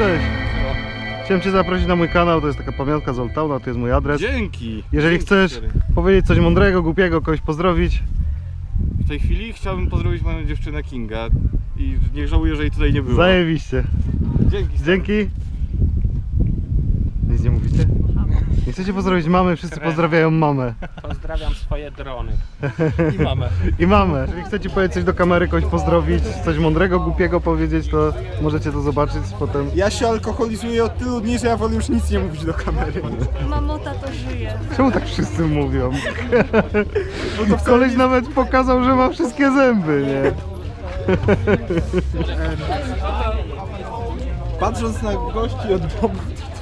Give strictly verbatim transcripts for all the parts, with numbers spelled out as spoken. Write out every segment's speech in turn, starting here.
cześć. Chciałem Cię zaprosić na mój kanał, to jest taka pamiątka z Old Towna, to jest mój adres. Dzięki! Jeżeli Dzięki, chcesz stary. powiedzieć coś mądrego, głupiego, kogoś pozdrowić. W tej chwili chciałbym pozdrowić moją dziewczynę Kinga i nie żałuję, że jej tutaj nie było. Zajebiście. Dzięki. stary. Dzięki. Nic nie mówicie? Nie chcecie pozdrowić mamy, wszyscy pozdrawiają mamę. Pozdrawiam swoje drony. I mamę. I mamę. Jeżeli chcecie powiedzieć coś do kamery, kogoś pozdrowić, coś mądrego, głupiego powiedzieć, to możecie to zobaczyć potem. Ja się alkoholizuję od tylu dni, że ja wolę już nic nie mówić do kamery. Mamota to żyje. Czemu tak wszyscy mówią? Bo to koleś nawet pokazał, że ma wszystkie zęby, nie? Patrząc na gości od boku,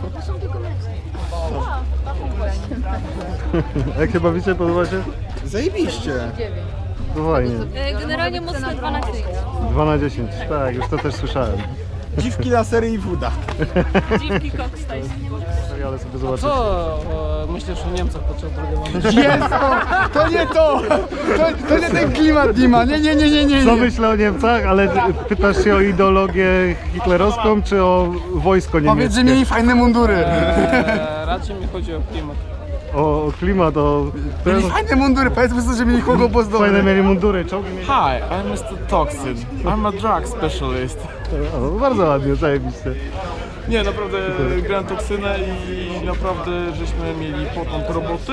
Jak się bawicie, podoba się? zajebiście. To fajnie. Generalnie mocno dwa na dziesięć. dwa na dziesięć, tak, już to też słyszałem. Dziwki, lasery i woda. Dziwki Cox Tyson. Ale sobie zobaczyć. Co e, myślisz o Niemcach podczas drugiej wojny? Jest to! To nie to! To, to nie ten klimat, Dima. Nie, nie, nie, nie, nie. Co nie. myślę o Niemcach, ale pytasz się o ideologię hitlerowską, czy o wojsko niemieckie? Powiedz, że mieli fajne mundury. E, raczej mi chodzi o klimat. O, o klimat, o... Mieli fajne mundury, powiedzmy sobie, że mieli Hugo Boss dobre. Fajne mieli mundury, czołgi mieli... Hi, I'm mister Toxin. I'm a drug specialist. O, bardzo ładnie, zajebiście. Nie, naprawdę grałem toksynę i naprawdę żeśmy mieli potąd roboty.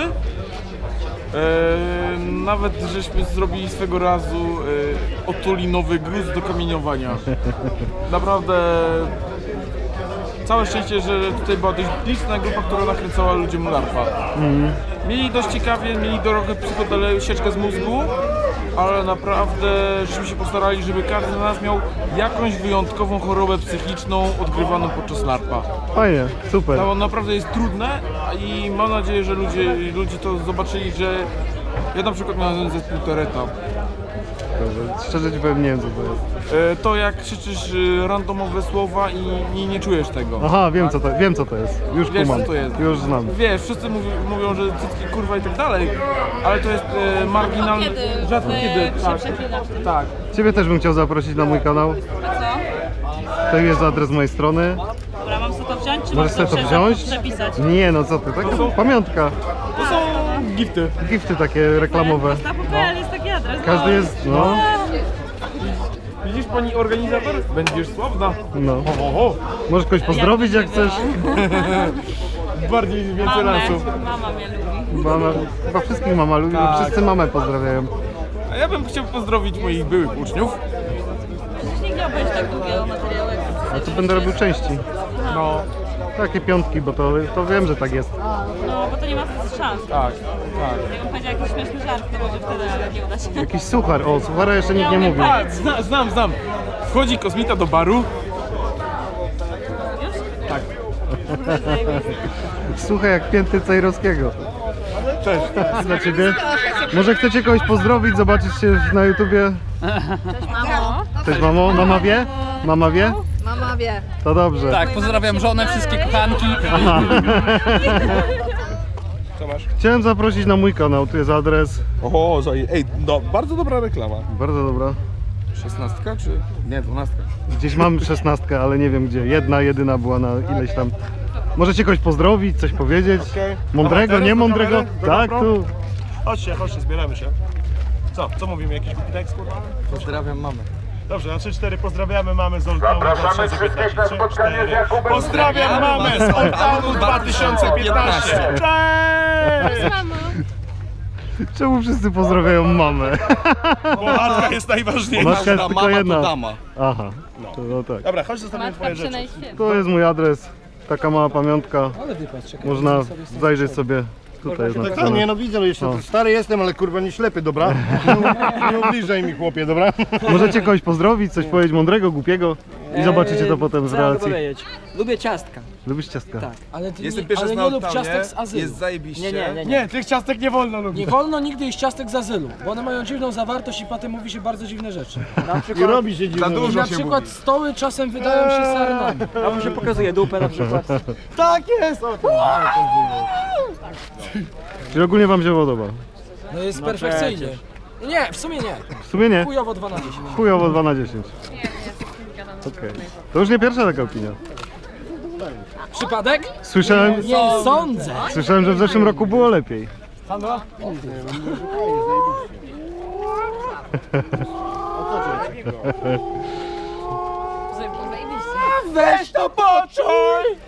E, nawet żeśmy zrobili swego razu e, otulinowy gruz do kamieniowania. Naprawdę całe szczęście, że tutaj była dość liczna grupa, która nakręcała ludziom larpa. Mhm. Mieli dość ciekawie, mieli trochę psychodele, sieczkę z mózgu, ale naprawdę żeśmy się postarali, żeby każdy z nas miał jakąś wyjątkową chorobę psychiczną odgrywaną podczas larpa. Fajnie, super. To naprawdę jest trudne i mam nadzieję, że ludzie, ludzie to zobaczyli, że ja na przykład miałem zespół Tereta. Dobrze. Szczerze Ci powiem, nie wiem co to jest. E, To jak krzyczysz e, randomowe słowa i nie, nie czujesz tego. Aha, wiem co to, wiem co to jest. Już Wiesz, kumam. co to jest. Już znam. Wiesz, wszyscy mówią, mówią, że cycki kurwa i tak dalej, ale to jest e, marginalne. Kiedy Rzadko wy kiedy. się Tak, przeklinasz wtedy. tak. Ciebie też bym chciał zaprosić na mój kanał. A co? To jest adres mojej strony. Dobra, mam sobie to wziąć, czy Możesz mam sobie to prze- wziąć? przepisać? Nie no co ty, taka pamiątka. To są gifty. Gifty takie reklamowe. Na P P L jest taki adres. Każdy jest, no, Widzisz pani organizator? Będziesz sławna. no. Ho, ho, ho. Możesz kogoś pozdrowić jak chcesz. Bardziej więcej Mamę. lansów. Mama mnie lubi. Mama, chyba wszystkich mama lubi, bo Tak. wszyscy mamę pozdrawiają. A ja bym chciał pozdrowić moich byłych uczniów. Przecież nigdy nie obejrzy tak długiego materiału jak A to będę robił części. No, Takie piątki, bo to, to wiem, że tak jest. No, bo to nie ma szans. tak, tak. Jakbym powiedział jakiś śmieszny żart, to może wtedy, ale nie uda się. Jakiś suchar, o suchara jeszcze nikt nie mówił. A, zna, znam, znam. Wchodzi kosmita do baru. Tak. Słuchaj jak pięty Cejrowskiego. Cześć. Dla Ciebie. Może chcecie kogoś pozdrowić, zobaczyć się na YouTubie? Mamo. Cześć mamo, mama wie? Mama wie? Mama wie. To dobrze. Tak, pozdrawiam żonę, wszystkie kochanki. Aha. Co masz? Chciałem zaprosić na mój kanał, tu jest adres. O, zaje... Ej, no, bardzo dobra reklama. Bardzo dobra. Szesnastka czy... Nie, dwunastka. Gdzieś mam szesnastkę, ale nie wiem gdzie. Jedna, jedyna była na ileś tam. Możecie kogoś pozdrowić, coś powiedzieć? Okej. Mądrego, Dobra, nie teraz do mądrego? kamery, do Tak, GoPro? tu. Chodźcie, chodźcie, zbieramy się. Co? Co mówimy? Jakiś głupi tekst, kurwa? Pozdrawiam mamę. Dobrze, na trzy cztery pozdrawiamy mamę z Old Townu dwa tysiące piętnaście. trzy cztery Pozdrawiam mamę z Old Townu dwa tysiące piętnaście. Cześć! Czemu wszyscy pozdrawiają mamę? Bo matka jest najważniejsza. Matka jest tylko jedna. dama. Aha, to, no tak. Dobra, chodź zostawimy Matka twoje rzeczy. przynajmniej. To jest mój adres. Taka mała pamiątka. Można zajrzeć sobie. Tutaj jest Tak, tak, napisane. nie no widzę, ale jeszcze O. stary jestem, ale kurwa nie ślepy, dobra? Nie, nie ubliżaj mi chłopie, dobra? Możecie kogoś pozdrowić, coś powiedzieć mądrego, głupiego i zobaczycie to potem z relacji. Lubię ciastka. Lubisz ciastka? Tak. Ale ty Jestem nie, pierwszy ale raz nie na lub Old ciastek z Townie. azylu. Jest zajebiście. Nie, nie, nie, nie. Nie, tych ciastek nie wolno lubić. Nie wolno nigdy jeść ciastek z azylu, bo one mają dziwną zawartość i potem mówi się bardzo dziwne rzeczy. Na I przykład, robi się dziwne. Za dużo na się przykład mówi. stoły czasem wydają się sarnami. A mu się pokazuje dupę na przykład. Tak jest! Czyli ogólnie wam się podoba? No jest perfekcyjnie. Nie, w sumie nie. W sumie nie. Chujowo dwa na dziesięć. Chujowo dwa na dziesięć. Okej. To już nie pierwsza taka opinia. Przypadek? Słyszałem, Nie sądzę. słyszałem, że w zeszłym roku było lepiej. Sandra? Zajebiście. Weź to poczuj!